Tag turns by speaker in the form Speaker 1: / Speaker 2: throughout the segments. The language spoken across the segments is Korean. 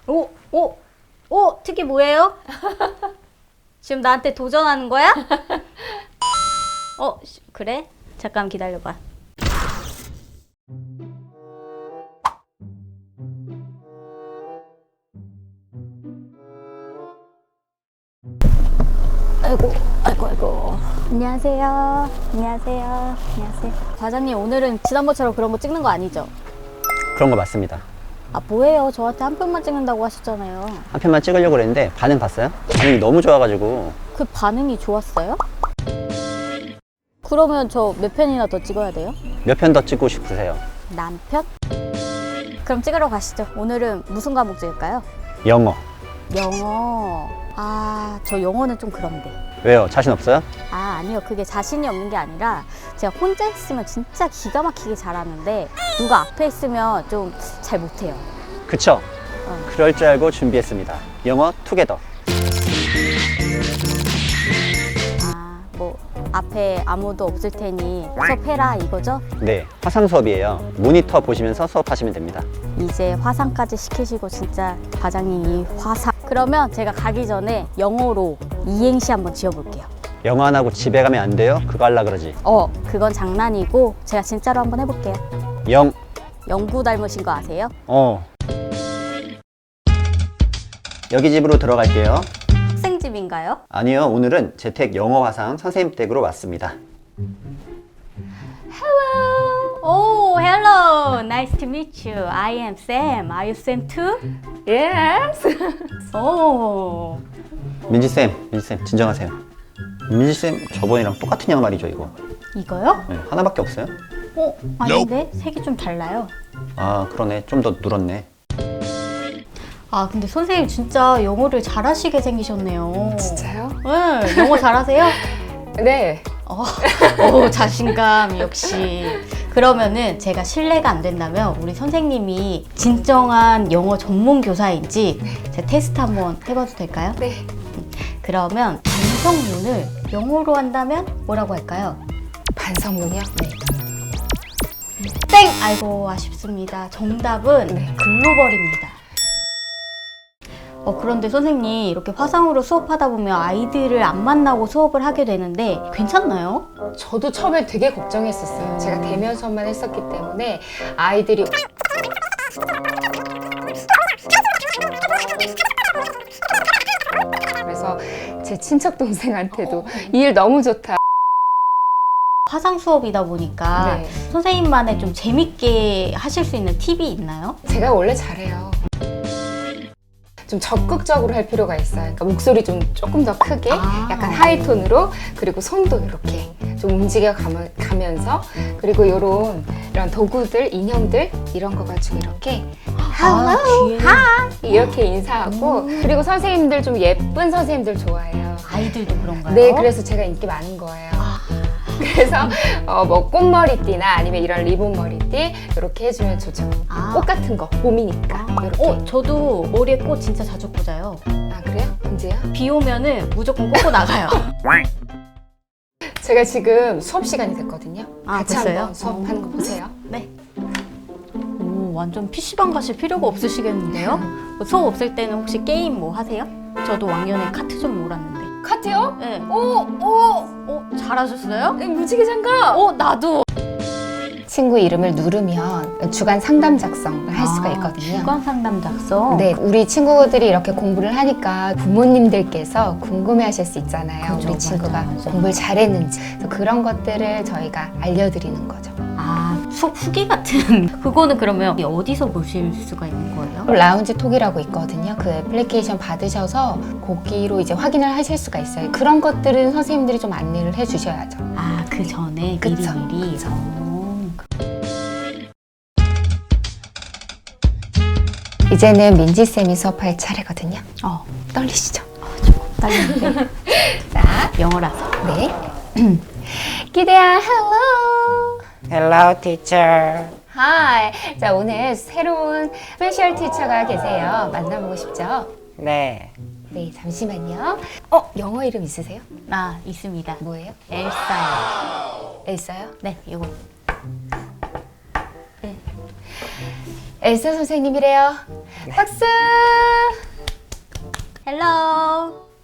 Speaker 1: 오, 오, 오, 특기 뭐예요? 지금 나한테 도전하는 거야? 그래? 잠깐 기다려봐. 아이고. 안녕하세요. 안녕하세요. 안녕하세요. 과장님, 오늘은 지난번처럼 그런 거 찍는 거 아니죠?
Speaker 2: 그런 거 맞습니다.
Speaker 1: 아, 뭐예요? 저한테 한 편만 찍는다고 하셨잖아요.
Speaker 2: 한 편만 찍으려고 그랬는데 반응 봤어요? 반응이 너무 좋아가지고.
Speaker 1: 그 반응이 좋았어요? 그러면 저 몇 편이나 더 찍어야 돼요?
Speaker 2: 몇 편 더 찍고 싶으세요?
Speaker 1: 남편? 그럼 찍으러 가시죠. 오늘은 무슨 과목 찍을까요?
Speaker 2: 영어.
Speaker 1: 영어. 아, 저 영어는 좀 그런데.
Speaker 2: 왜요? 자신 없어요?
Speaker 1: 아, 아니요. 그게 자신이 없는 게 아니라 제가 혼자 있으면 진짜 기가 막히게 잘하는데 누가 앞에 있으면 좀 잘 못해요.
Speaker 2: 그쵸? 그럴 줄 알고 준비했습니다. 영어 투게더.
Speaker 1: 아, 뭐 앞에 아무도 없을 테니 수업해라 이거죠?
Speaker 2: 네, 화상 수업이에요. 모니터 보시면서 수업하시면 됩니다.
Speaker 1: 이제 화상까지 시키시고 진짜 과장님이 화상. 그러면 제가 가기 전에 영어로 이행시 한번 지어볼게요.
Speaker 2: 영어 안 하고 집에 가면 안 돼요? 그거 하려 그러지.
Speaker 1: 그건 장난이고 제가 진짜로 한번 해볼게요. 영구 닮으신 거 아세요?
Speaker 2: 여기 집으로 들어갈게요.
Speaker 1: 학생 집인가요?
Speaker 2: 아니요, 오늘은 재택 영어 화상 선생님 댁으로 왔습니다.
Speaker 1: Hello. Oh, hello. Nice to meet you. I am Sam. Are you Sam too?
Speaker 3: Yes.
Speaker 1: Oh.
Speaker 2: 민지쌤, 진정하세요. 민지쌤, 저번이랑 똑같은 양말이죠, 이거?
Speaker 1: 이거요?
Speaker 2: 네, 하나밖에 없어요?
Speaker 1: 아닌데? 색이 좀 달라요.
Speaker 2: 아, 그러네. 좀 더 누렇네.
Speaker 1: 아, 근데 선생님 진짜 영어를 잘하시게 생기셨네요.
Speaker 3: 진짜요?
Speaker 1: 네, 영어 잘하세요?
Speaker 3: 네.
Speaker 1: 오, 자신감 역시. 그러면은 제가 실례가 안 된다면 우리 선생님이 진정한 영어 전문 교사인지 제가 테스트 한번 해봐도 될까요?
Speaker 3: 네.
Speaker 1: 그러면 반성문을 영어로 한다면 뭐라고 할까요?
Speaker 3: 반성문이요? 네.
Speaker 1: 땡! 아이고, 아쉽습니다. 정답은
Speaker 3: 네.
Speaker 1: 글로벌입니다. 그런데 선생님, 이렇게 화상으로 수업하다 보면 아이들을 안 만나고 수업을 하게 되는데 괜찮나요?
Speaker 3: 저도 처음에 되게 걱정했었어요. 제가 대면 수업만 했었기 때문에 아이들이 그래서 제 친척 동생한테도 이 일 너무 좋다.
Speaker 1: 화상 수업이다 보니까
Speaker 3: 네.
Speaker 1: 선생님만의 좀 재밌게 하실 수 있는 팁이 있나요?
Speaker 3: 제가 원래 잘해요. 좀 적극적으로 할 필요가 있어요. 그러니까 목소리 좀 조금 더 크게, 약간 하이톤으로, 그리고 손도 이렇게 좀 움직여 가면서, 그리고 이런 도구들, 인형들 이런 거 가지고 이렇게
Speaker 1: Hello,
Speaker 3: hi 이렇게 인사하고, 그리고 선생님들 좀 예쁜 선생님들 좋아해요.
Speaker 1: 아이들도 그런가요?
Speaker 3: 네, 그래서 제가 인기 많은 거예요. 그래서 뭐 꽃머리띠나 아니면 이런 리본 머리띠 이렇게 해주면 좋죠. 꽃 같은 거 봄이니까 이렇게.
Speaker 1: 저도 머리에 꽃 진짜 자주 꽂아요.
Speaker 3: 아, 그래요? 언제요?
Speaker 1: 비 오면은 무조건 꽂고 나가요.
Speaker 3: 제가 지금 수업 시간이 됐거든요.
Speaker 1: 아,
Speaker 3: 같이
Speaker 1: 벌써요?
Speaker 3: 한번 수업하는 거 보세요.
Speaker 1: 네. 오, 완전 PC방 가실 필요가 없으시겠는데요? 뭐 수업 없을 때는 혹시 게임 뭐 하세요? 저도 왕년에 카트 좀 몰았는데.
Speaker 3: 카트요?
Speaker 1: 네.
Speaker 3: 오!
Speaker 1: 잘하셨어요?
Speaker 3: 무지개 장갑!
Speaker 1: 나도.
Speaker 3: 친구 이름을 누르면 주간 상담 작성을 할 수가 있거든요.
Speaker 1: 주간 상담 작성?
Speaker 3: 네, 우리 친구들이 이렇게 공부를 하니까 부모님들께서 궁금해하실 수 있잖아요.
Speaker 1: 그죠,
Speaker 3: 우리 친구가
Speaker 1: 맞아.
Speaker 3: 공부를 잘했는지. 그래서 그런 것들을 저희가 알려드리는 거죠.
Speaker 1: 수업 후기 같은 그거는 그러면 어디서 보실 수가 있는 거예요?
Speaker 3: 라운지 톡이라고 있거든요. 그 애플리케이션 받으셔서 거기로 이제 확인을 하실 수가 있어요. 그런 것들은 선생님들이 좀 안내를 해주셔야죠.
Speaker 1: 그 전에
Speaker 3: 그쵸,
Speaker 1: 미리.
Speaker 3: 그쵸. 이제는 민지쌤이 수업할 차례거든요. 떨리시죠?
Speaker 1: 조금 떨리는데.
Speaker 3: 자,
Speaker 1: 영어라서.
Speaker 3: 네. 기대야, hello.
Speaker 4: Hello, teacher.
Speaker 3: Hi. 자, 오늘 새로운 스페셜 티처가 계세요. 만나보고 싶죠?
Speaker 4: 네.
Speaker 3: 네, 잠시만요. 영어 이름 있으세요?
Speaker 1: 있습니다.
Speaker 3: 뭐예요?
Speaker 1: 엘사요.
Speaker 3: 엘사요?
Speaker 1: 네, 이거.
Speaker 3: 엘사 선생님이래요. 박수!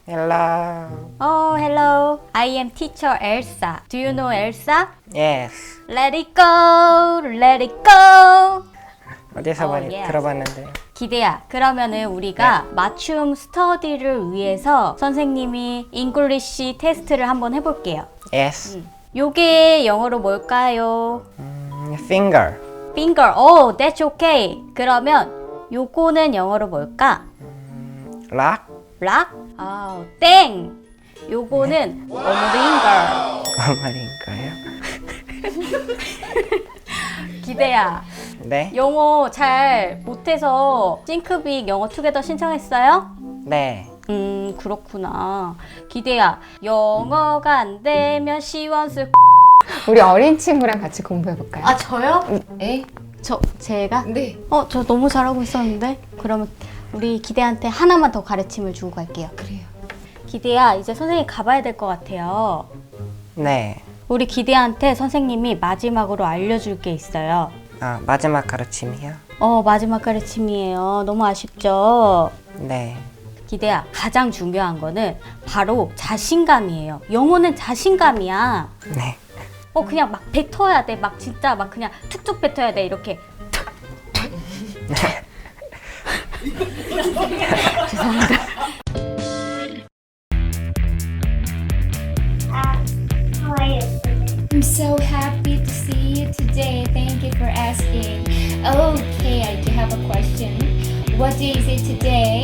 Speaker 4: Hello.
Speaker 1: Oh, hello. I am teacher Elsa. Do you know Elsa?
Speaker 4: Yes.
Speaker 1: Let it go, let it go.
Speaker 4: 어디서 많이
Speaker 1: yes.
Speaker 4: 들어봤는데.
Speaker 1: 기대야. 그러면은 우리가 맞춤 스터디를 위해서 선생님이 잉글리시 테스트를 한번 해볼게요.
Speaker 4: Yes.
Speaker 1: 요게 영어로 뭘까요?
Speaker 4: Finger.
Speaker 1: Finger. Oh, that's okay. 그러면 요거는 영어로 뭘까?
Speaker 4: Lock.
Speaker 1: Rock? 아, 땡. 요거는 finger.
Speaker 4: 말인가요?
Speaker 1: 기대야.
Speaker 4: 네.
Speaker 1: 영어 잘 못해서 싱크빅 영어 투게더 신청했어요?
Speaker 4: 네.
Speaker 1: 그렇구나. 기대야. 영어가 안 되면 시원스.
Speaker 3: 우리 어린 친구랑 같이 공부해 볼까요?
Speaker 1: 아, 저요?
Speaker 3: 네.
Speaker 1: 제가?
Speaker 3: 네.
Speaker 1: 저 너무 잘하고 있었는데? 그러면 우리 기대한테 하나만 더 가르침을 주고 갈게요.
Speaker 3: 그래요.
Speaker 1: 기대야, 이제 선생님 가봐야 될 것 같아요.
Speaker 4: 네.
Speaker 1: 우리 기대한테 선생님이 마지막으로 알려줄 게 있어요.
Speaker 4: 아, 마지막 가르침이요?
Speaker 1: 마지막 가르침이에요. 너무 아쉽죠?
Speaker 4: 네.
Speaker 1: 기대야, 가장 중요한 거는 바로 자신감이에요. 영어는 자신감이야.
Speaker 4: 네.
Speaker 1: 그냥 막 뱉어야 돼. 막 진짜 막 그냥 툭툭 뱉어야 돼. 이렇게.
Speaker 5: I'm so happy to see you today. Thank you for asking. Okay, I do have a question. What day is it today?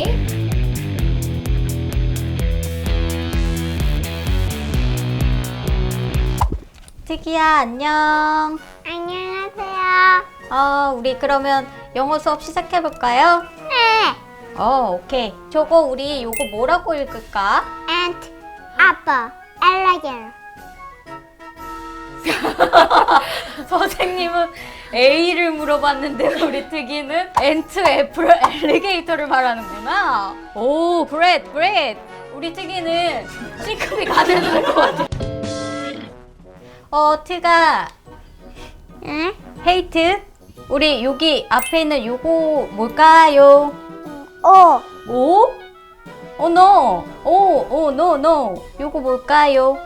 Speaker 1: 특이야, 안녕.
Speaker 6: 안녕하세요.
Speaker 1: 우리 그러면 영어 수업 시작해볼까요?
Speaker 6: 네.
Speaker 1: 오케이. 저거 우리 요거 뭐라고 읽을까?
Speaker 6: Ant, apple, alligator.
Speaker 1: 선생님은 A를 물어봤는데 우리 특이는 엔트, 애플, 엘리게이터를 말하는구나. 오, great. 우리 특이는 싱크빅 안 해도 될 것 같아. 트가,
Speaker 6: 응?
Speaker 1: 헤이트. 우리 여기 앞에 있는 요거 뭘까요?
Speaker 6: 오,
Speaker 1: 오? no. no. 요거 뭘까요?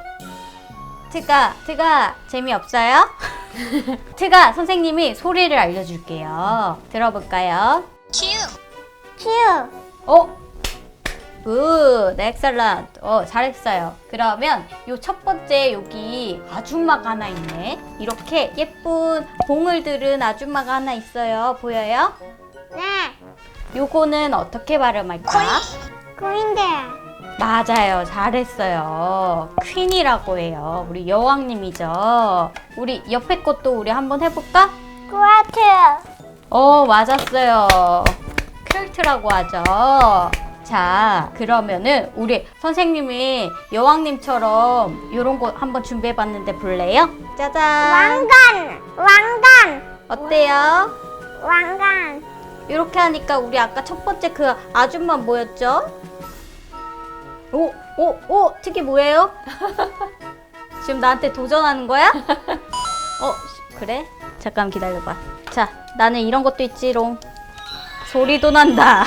Speaker 1: 트가 재미없어요? 트가 선생님이 소리를 알려줄게요. 들어볼까요?
Speaker 6: Q.
Speaker 1: 굿, 엑셀런트. 잘했어요. 그러면 요 첫 번째 여기 아줌마가 하나 있네. 이렇게 예쁜 봉을 들은 아줌마가 하나 있어요. 보여요?
Speaker 6: 네.
Speaker 1: 요거는 어떻게 발음할까?
Speaker 6: Greender.
Speaker 1: 맞아요. 잘했어요. 퀸이라고 해요. 우리 여왕님이죠. 우리 옆에 것도 우리 한번 해볼까?
Speaker 6: Quarter.
Speaker 1: 맞았어요. 퀼트라고 하죠. 자, 그러면은 우리 선생님이 여왕님처럼 이런 거 한번 준비해봤는데 볼래요? 짜잔.
Speaker 6: 왕관.
Speaker 1: 어때요?
Speaker 6: 왕관.
Speaker 1: 이렇게 하니까 우리 아까 첫 번째 그 아줌마 뭐였죠? 특이 뭐예요? 지금 나한테 도전하는 거야? 그래? 잠깐 기다려봐. 자, 나는 이런 것도 있지롱. 소리도 난다.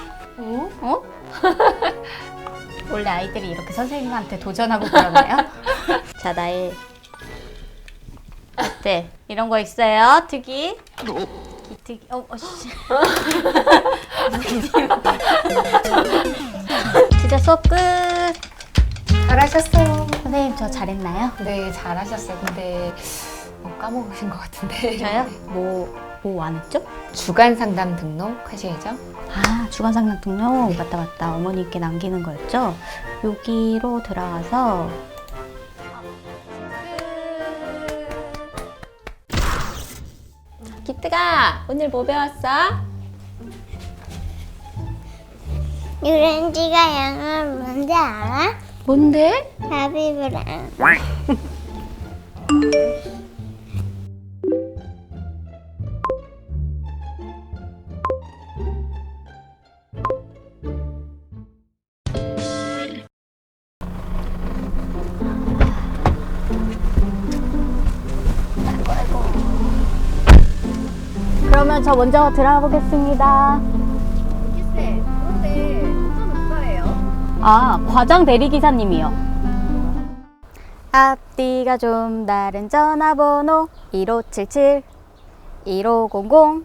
Speaker 1: 원래 아이들이 이렇게 선생님한테 도전하고 그러나요? 자, 나의 어때? 이런 거 있어요, 특이? 기특이. 씨. 진짜 수업 끝.
Speaker 3: 잘하셨어요.
Speaker 1: 선생님 저 잘했나요?
Speaker 3: 네, 잘하셨어요. 근데 까먹으신 것 같은데.
Speaker 1: 저요? 뭐 안 했죠?
Speaker 3: 주간 상담 등록 하셔야죠.
Speaker 1: 주간 상담 등록 맞다. 어머니께 남기는 거였죠? 여기로 들어가서 기특아, 오늘 뭐 배웠어?
Speaker 6: 유렌지가 영어 뭔지 알아?
Speaker 1: 뭔데?
Speaker 6: 바비브랑.
Speaker 1: 그러면 저 먼저 들어가 보겠습니다.
Speaker 7: 그런데 도전 오빠예요?
Speaker 1: 아, 과장 대리기사님이요. 앞뒤가 좀 다른 전화번호 1577 1500.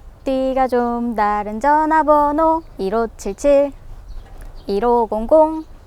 Speaker 1: 앞뒤가 좀 다른 전화번호 1577 1500.